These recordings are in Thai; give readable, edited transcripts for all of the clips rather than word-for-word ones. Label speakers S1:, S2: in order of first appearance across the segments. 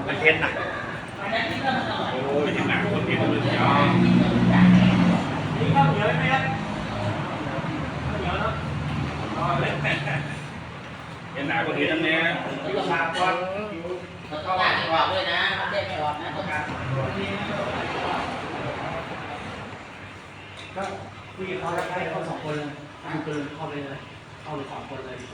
S1: มันเทนหนักโอ้ไม่ถึงหนักคนเทนเลยนี่ข้าวเหนียวไหมครับข้าวเหนียวเนาะเทนหนักคนเทนนั่นเนี่ยขาดก่อน
S2: เขาได้ไม่ออกด้วยนะเขาได้ไม่ออกนะ
S3: ก็คุยกับเขาแล้วให้เขา2 คนเลยดูเกินเข้าไปเลยเข้าเลย2 คนเลย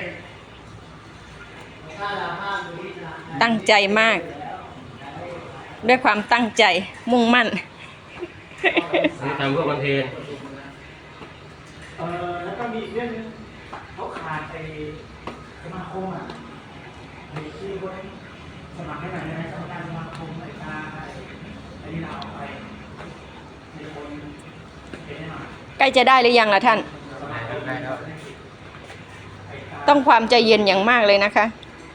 S4: ตั้งใจมาก ด้วยความตั้งใจมุ่งมั่น
S5: ทำเพื่อคอนเทนต์
S3: แล้วก็มีเรื่องนึงเขาขาดไปสมาคมในที่คนสมัครให้หน่อยนะสมัครการสมาคมไอ้ตาไอ้นี่เราออกไปในคนเป็นให้หน่อย
S4: ใกล้จะได้หรือยังล่ะท่านต้องความใจเย็นอย่างมากเลยนะคะ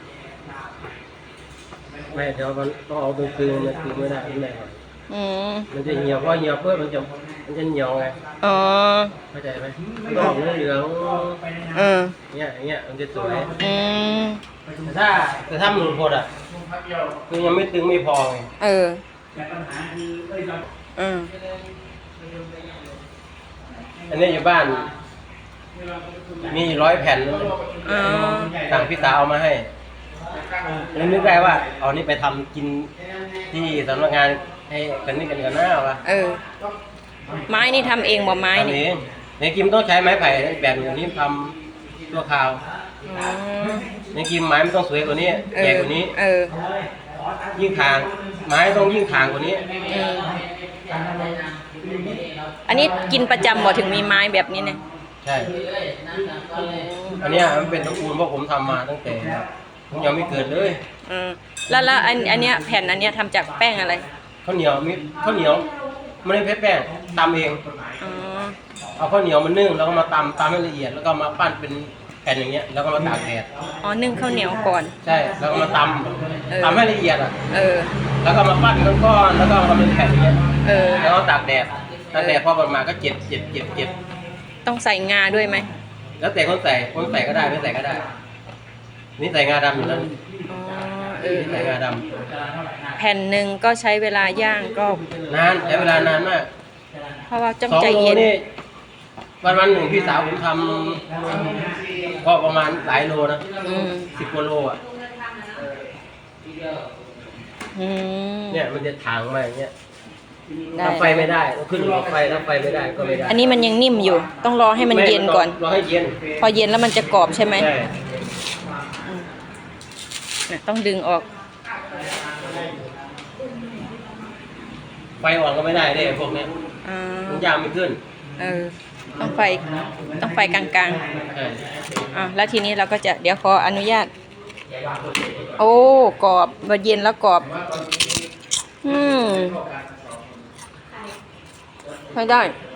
S5: ไม่เดี๋ยวมันต้องเอาตัวคืนมันคืนไม่ได้ไม่ได้มันจะเหี่ยวเพราะเหี่ยวเพื่อมันจะเหี่ยวไง
S4: อ๋อ
S5: เข้าใจไหมดอกเหลืองเนี่ยมันจะสวยแต่ถ้ามันหลุดหมดคือยังไม่ตึงไม่พอไงอันนี้อยู่บ้านมี100 แผ่นต่างพี่สาวเอามาให้นึกได้ว่าเอานี่ไปทำกินที่สำนักงานให้กันนี่กันหน้าวะ
S4: ไม้นี่ทำเองบ่ไม้นี่
S5: ในกิมต้องใช้ไม้ไผ่แบบอย่างนี้ทำตัวคราวในกิมไม้ไม่ต้องสวยกว่านี้ใหญ่กว่านี้ยิ่งทางไม้ต้องยิ่งทางกว่านี้
S4: อันนี้กินประจำบ่ถึงมีไม้แบบนี้เนี่ย
S5: ใช่อันนี้มันเป็นตระกูลเพราะผมทำมาตั้งแต่ผมยังไม่เกิดเลย
S4: แล้วอันเนี้ยแผ่นอันเนี้ยทำจากแป้งอะไร
S5: ข้าวเหนียวไม่ได้แป้งตำเองเอาข้าวเหนียวมานึ่งแล้วก็มาตำให้ละเอียดแล้วก็มาปั้นเป็นแผ่นอย่างเงี้ยแล้วก็มาตากแดด
S4: นึ่งข้าวเหนียวก่อน
S5: ใช่แล้วก็มาตำให้ละเอียดแล้วก็มาปั้นก้อนแล้วก็มาเป็นแผ่นอย่างเงี้ยแล้วก็ตากแดดพอประมาณก็เจ็บ
S4: ต้องใส่งาด้วยไหม
S5: แล้วแต่คนใส่ก็ได้ไม่ใส่ก็ได้นี่ใส่งาดำอยู่แล้วใส่งาด
S4: ำแผ่นหนึ่งก็ใช้เวลาย่างก็
S5: นานใช้เวลานานมาก
S4: เพราะว่าจ้องใจเย็น
S5: วันหนึ่งพี่สาวผมทำก็ประมาณหลายโลนะ10 กว่าโลเนี่ยมันจะถางมาอย่างเงี้ยถ้าไฟไม่ได้ก็ขึ้นไฟถ้าไฟไม่ได้ก็ไม่ได้
S4: อันนี้มันยังนิ่มอยู่ต้องรอให้มันเย็นก่อน
S5: รอให้เย็น
S4: พอเย็นแล้วมันจะกรอบใช่ไหมต้องดึงออก
S5: ไฟอ่อนก็ไม่ได้เด้พวกนี้มันยางไม่ขึ้น
S4: ต้องไฟกลางๆแล้วทีนี้เราก็จะเดี๋ยวขออนุญาตโอ้กรอบพอเย็นแล้วกรอบใช้ได้